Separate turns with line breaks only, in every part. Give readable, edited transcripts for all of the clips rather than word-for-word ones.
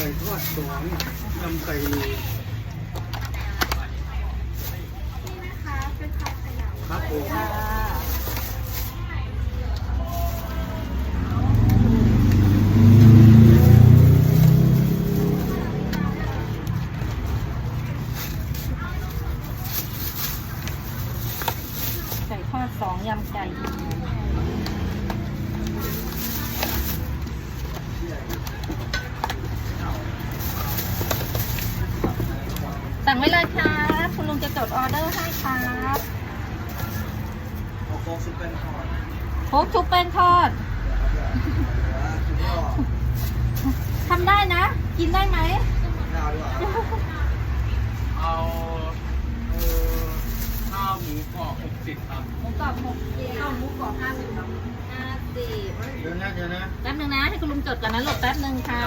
ทอดสองยำไก่ลูครับผม
ค่ะไก่ทอดสองยำไก่สั่งไว้เลยครับคุณลุงจะจดออเดอร์ให้ครับ
เอาโค้กซุปเป็นทอด
โค้กชุบเป็นทอดทำได้นะ กินได้ไหม
ข้าวดีกว่าเอาข้าวหมูกรอบ60ครับ
หมูกรอบ60ข้าวหมูกรอบ50ครับ50
เดี๋ยวนะ
แป๊บนึงนะให้คุณลุงจดก่อนนะหลบแป๊บนึงค่ะ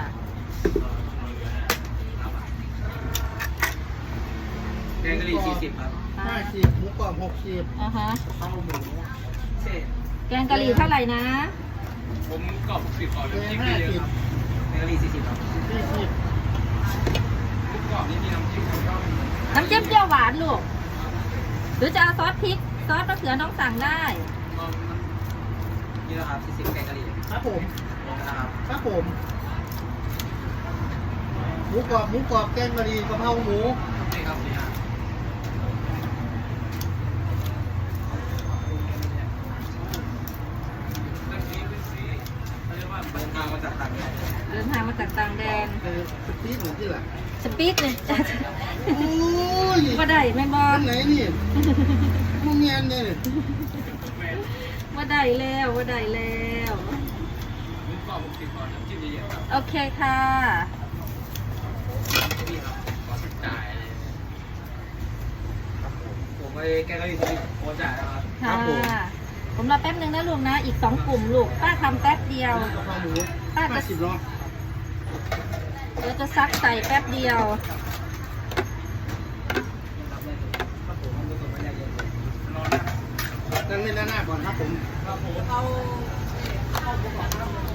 แกงกะหรี่40ครับ50หมูกรอบ60
อ่าฮะ
ข้าวหมูเศษ
แกงกะหรี่เท่าไหร่นะ
ผมกรอบ10ก่อนจิ้มเยอะครับแกงกะหรี่40ครับ40หมูกรอบนี่มีน้ำจิ้มครับ
น้ำจิ้มเปรี้ยวหวานลูกหรือจะเอาซอสพริกซอสมะเขือน้องสั่งได้
นี่นะครับ40แกงกะหรี่ครับผมนะครับครับผมหมูกรอบแกงกะหรี่กะเพราหมูนี่ครับนี่ฮะเดินทางมาจากต่างแดน
เดินทางมาจากต่างแดน
สปีดเหมือนที่ไหน
สปีดเลย
โอ้ย
ว่าได้แม่บอ
อันไหนนี่มึงเงียนเนี่ย
ว่าได้แล้วว่าได้แล้ว
หมูกรอบ60ก่อนน้ำจิ้มเยอะๆครับ
โอเคค่ะ
นี่ครับขอสุดจ่ายผมไปแกงกะหรี่โอจ่ายแล้วครับ
ค่ะผมรอแป๊บนึงนะลูกนะ อีก2 กลุ่มลูกป้าทำแป๊บเดียว
กะเพราหมู
ป้าจะ
50 รอบ
เดี๋ยวจะซักใส่แป๊บเดียว
นั่งเล่นหน้าก่อนครับผม
เอา